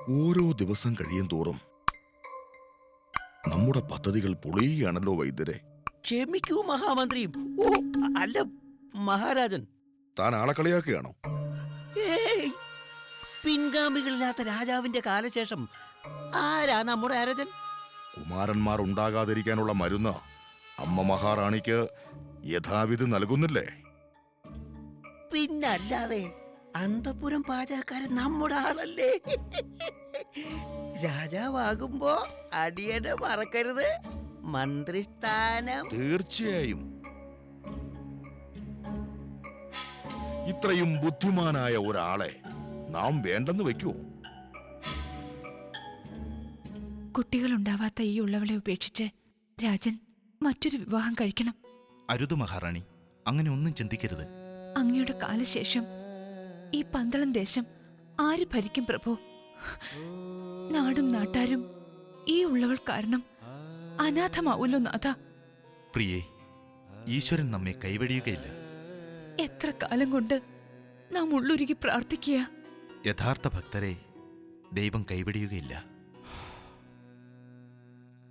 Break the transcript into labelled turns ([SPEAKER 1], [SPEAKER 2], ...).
[SPEAKER 1] ഓരോ ദിവസം കഴിയും തോറും നമ്മുടെ പദ്ധതികൾ പൊളിയുകയാണല്ലോ വൈദ്യരെ.
[SPEAKER 2] ക്ഷമിക്കൂ മഹാമന്ത്രിയും. ഓ അല്ല മഹാരാജൻ.
[SPEAKER 1] താൻ ആളെ കളിയാക്കുകയാണോ?
[SPEAKER 2] ഏയ്, പിൻഗാമികളില്ലാത്ത രാജാവിന്റെ കാലശേഷം ആരാ നമ്മുടെ അരജൻ?
[SPEAKER 1] കുമാരന്മാർ ഉണ്ടാകാതിരിക്കാനുള്ള മരുന്ന് അമ്മ മഹാറാണിക്ക് യഥാവിധി നൽകുന്നില്ലേ?
[SPEAKER 2] പിന്നല്ലാതെ അന്തപുരം പാചകക്കാരൻ നമ്മുടെ ആളല്ലേ. രാജാവാകുമ്പോ അടിയനെ മറക്കരുത്, മന്ത്രിസ്ഥാനം.
[SPEAKER 1] തീർച്ചയായും. ഇത്രയും ബുദ്ധിമാനായ ഒരാളെ നാം വേണ്ടെന്ന് വെക്കൂ?
[SPEAKER 3] കുട്ടികളുണ്ടാവാത്ത ഈ ഉള്ളവളെ ഉപേക്ഷിച്ച് രാജൻ മറ്റൊരു വിവാഹം കഴിക്കണം.
[SPEAKER 4] അരുത് മഹാറാണി, അങ്ങനെ ഒന്നും ചിന്തിക്കരുത്.
[SPEAKER 3] അങ്ങയുടെ കാലശേഷം ഈ പന്തളം ദേശം ആര് ഭരിക്കും പ്രഭു? നാടും നാട്ടാരും ഈ ഉള്ളവൾ കാരണം അനാഥമാവൂല്ലോ നാഥ.
[SPEAKER 4] പ്രിയേ, ഈശ്വരൻ നമ്മെ കൈവടിയുകയില്ല.
[SPEAKER 3] എത്ര കാലം കൊണ്ട് നാം ഉള്ളുരുകി പ്രാർത്ഥിക്കുക.
[SPEAKER 4] യഥാർത്ഥ ഭക്തരെ ദൈവം കൈവടിയുകയില്ല.